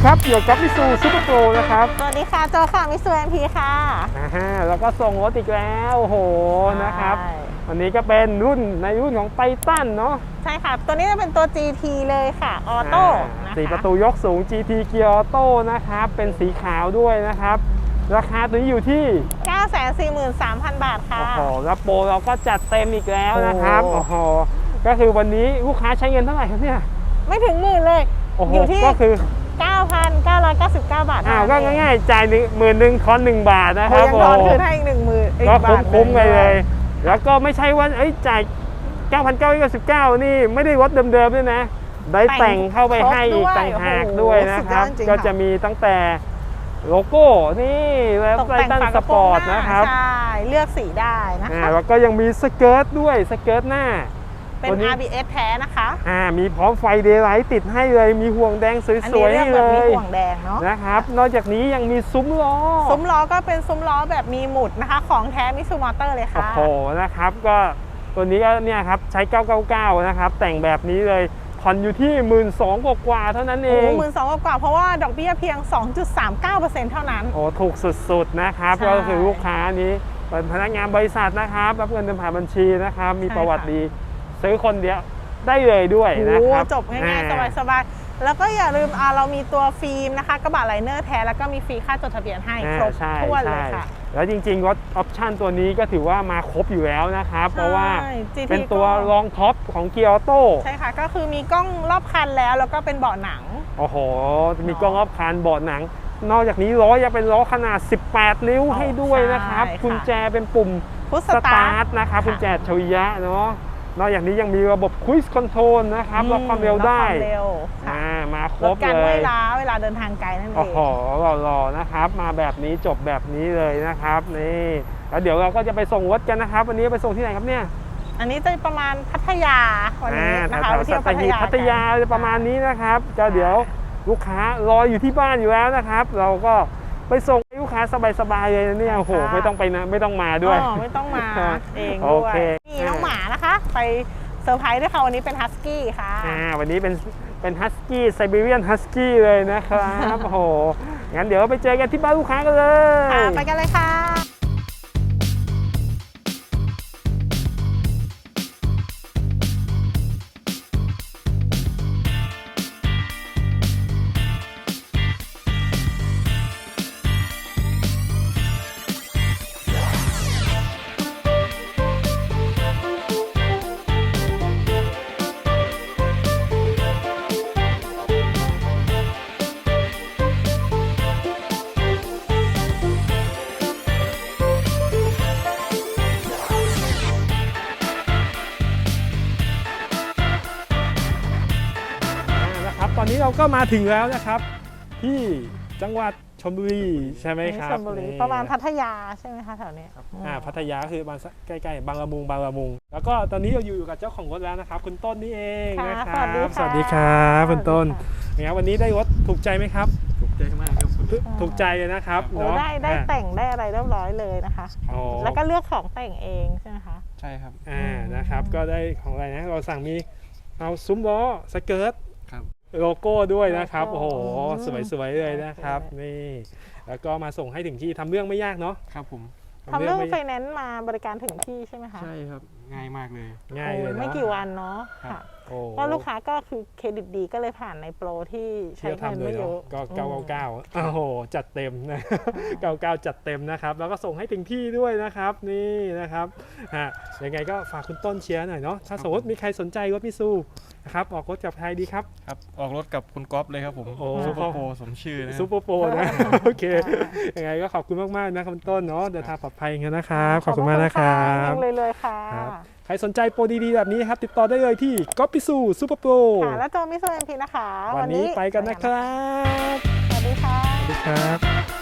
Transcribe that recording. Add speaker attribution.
Speaker 1: ครับอยู่กับมิซูซูเปอร์โปรนะครับ
Speaker 2: สวัสดีค่ะโจค่ะมิสูเอ็มพีค่ะ
Speaker 1: แล้วก็ส่งรถอีกแล้วโอ้โหนะครับวันนี้ก็เป็นรุ่นของไททันเนาะ
Speaker 2: ใช่ค่ะตัวนี้จะเป็นตัว GT เลยค่ะออโต้นะคะ
Speaker 1: 4 ประตูยกสูง GT เกียร์ออโต้นะครับเป็นสีขาวด้วยนะครับราคาตัวนี้อยู่ที่
Speaker 2: 943,000 บาทค่ะ
Speaker 1: โอ้โหแล้วโปรเราก็จัดเต็มอีกแล้วนะครับโอ้โหก็คือวันนี้ลูกค้าใช้เงินเท่าไหร่ครับเนี่ย
Speaker 2: ไม่ถึงหมื่นเลยอยู่ที่
Speaker 1: ก็คือ
Speaker 2: 9,999 บาท
Speaker 1: ก็ง่ายๆจ่าย10,000ทอน1 บาทนะครับ
Speaker 2: ยังทอนคืนให้อีก10,000
Speaker 1: ก็คุ้มๆเลยแล้วก็ไม่ใช่ว่าจ่าย 9,999 นี่ไม่ได้รถเดิมๆด้วยนะได้แต่งเข้าไปให้อีกต่างหากด้วยนะครับก็จะมีตั้งแต่โลโก้นี่แล้วไททันสปอร์ตนะครับ
Speaker 2: ใช่เลือกสีได้นะคะ
Speaker 1: แล้วก็ยังมีสเกิร์ตด้วยสเกิร์ตหน้า
Speaker 2: เป็น ABS แท้นะคะ
Speaker 1: มีพร้อมไฟเดย์ไลท์ติดให้เลยมีห่วงแดงสวยๆให้เลย
Speaker 2: มีห่วงแดงเนาะ
Speaker 1: นะครับนอกจากนี้ยังมีซุ้มล้อ
Speaker 2: ก็เป็นซุ้มล้อแบบมีหมุดนะคะของแท้มิซูมอเตอร์เลยค่ะ
Speaker 1: โอ้โหนะครับก็ตัวนี้ก็เนี่ยครับใช้999นะครับแต่งแบบนี้เลยผ่อนอยู่ที่ 12,000 กว่าเท่านั้นเอง
Speaker 2: 12,000 กว่าเพราะว่าดอกเบี้ยเพียง 2.39% เท่านั้น
Speaker 1: โอ้ถูกสุดๆนะครับก็คือลูกค้านี้เป็นพนักงานบริษัทนะครับรับเงินเดือนผ่านบัญชีนะครับมีประวัติดีซื้อคนเดียวได้เลยด้วยนะครับ
Speaker 2: จบง่ายๆสบายๆแล้วก็อย่าลืมเรามีตัวฟิล์มนะคะกระบะไลเนอร์แท้แล้วก็มีฟรีค่าจดทะเบียนให้ครบถ้วนเลยค่ะ
Speaker 1: แล้วจริงๆรถออปชั่นตัวนี้ก็ถือว่ามาครบอยู่แล้วนะครับเพราะว่าเป็นตัวรองท็อปของเกียร์ออโต้
Speaker 2: ใช่ค่ะก็คือมีกล้องรอบคันแล้วก็เป็นเบาะหนัง
Speaker 1: โอ้โหมีกล้องรอบคันเบาะหนังนอกจากนี้ล้อยังเป็นล้อขนาด18 นิ้วให้ด้วยนะครับกุญแจเป็นปุ่ม
Speaker 2: พุชสตาร์ท
Speaker 1: นะครับกุญแจอัจฉริยะเนาะนอกจากนี้ยังมีระบบคุยส์คอนโทรลนะครับล็อกความเร็วได้มาครบเลยลด
Speaker 2: การเวลาเดินทางไกลนั่นเอง
Speaker 1: โอ้โหหล่อๆนะครับมาแบบนี้จบแบบนี้เลยนะครับนี่แล้วเดี๋ยวเราก็จะไปส่งรถกันนะครับวันนี้ไปส่งที่ไหนครับเนี่ย
Speaker 2: อันนี้จะประมาณพัทยาวันนี้นะคะ
Speaker 1: ไปเที่ยวพัทยาจะประมาณนี้นะครับก็เดี๋ยวลูกค้ารออยู่ที่บ้านอยู่แล้วนะครับเราก็ไปส่งให้ลูกค้าสบายๆเลยเนี่ยโอ้โหไม่ต้องไปนะไม่ต้องมาด้วย
Speaker 2: ไม่ต้องมาเองด้วยนี่น้องหมานะคะไปเซอร์ไพรส์ด้วยค่ะวันนี้เป็นฮัสกี้ค่ะ
Speaker 1: วันนี้เป็นฮัสกี้ไซบีเรียนฮัสกี้เลยนะครับโอ้โหงั้นเดี๋ยวไปเจอกันที่บ้านลูกค้ากันเลย
Speaker 2: ไปกันเลยค่ะ
Speaker 1: ตอนนี้เราก็มาถึงแล้วนะครับที่จังหวัดชลบุรีใช่ไหมครับ
Speaker 2: ชลบุรีประมาณพัทยาใช่ไหมคะแถวนี้
Speaker 1: พัทยาคือบ้านใกล้ๆบางละมุงแล้วก็ตอนนี้เราอยู่กับเจ้าของรถแล้วนะครับคุณต้นนี่เองนะครับสวัสดีครับคุณต้นเนี่ยวันนี้ได้รถถูกใจไหมครับ
Speaker 3: ถูกใจมากครับ
Speaker 1: ถูกใจเลยนะครับ
Speaker 2: เนาะได้แต่งได้อะไรเรียบร้อยเลยนะคะแล้วก็เลือกของแต่งเองใช่ไหมคะ
Speaker 3: ใช่ครับ
Speaker 1: นะครับก็ได้ของอะไรนะเราสั่งมีเอาซุ้มล้อสเกิร์ตโลโก้ด้วยนะครับโอ้โหสวยๆเลยนะครับนี่แล้วก็มาส่งให้ถึงที่ทำเรื่องไม่ยากเนาะ
Speaker 3: ครับผม
Speaker 2: ทำเรื่องไฟแนนซ์มาบริการถึงที่ใช่ไหมคะ
Speaker 3: ใช่ครับง่ายมากเลย
Speaker 1: ง่ายเลย
Speaker 2: ไม่กี่วันเนาะค่ะก็ลูกค้าก็คือเครดิตดีก็เลยผ่านในโปรที่ใช้เงินไม่เยอะ
Speaker 1: ก็999โอ้โหจัดเต็มนะ99จัดเต็มนะครับแล้วก็ส่งให้ถึงที่ด้วยนะครับนี่นะครับยังไงก็ฝากคุณต้นเชียร์หน่อยเนาะถ้าสมมติมีใครสนใจรถมิซูนะครับออกรถกับใครดีครับ
Speaker 3: ออกรถกับคุณก๊อฟเลยครับผมซูเปอร์โปรสมชื่อนะ
Speaker 1: ซูเปอร์โปรนะโอเคยังไงก็ขอบคุณมากๆนะคุณต้นเนาะเดินทางปลอดภัยกันนะครับขอบคุณมากนะครับ
Speaker 2: เลยค่ะ
Speaker 1: ใครสนใจโปรดีๆแบบนี้ครับติดต่อได้เลยที่ก๊อฟมิซูซูเปอร์โปร
Speaker 2: และโจมิซูเอ็มพีนะคะ
Speaker 1: วันนี้ไปกันนะครับ
Speaker 2: สวัสดีค่ะ
Speaker 1: สวัสดีครับ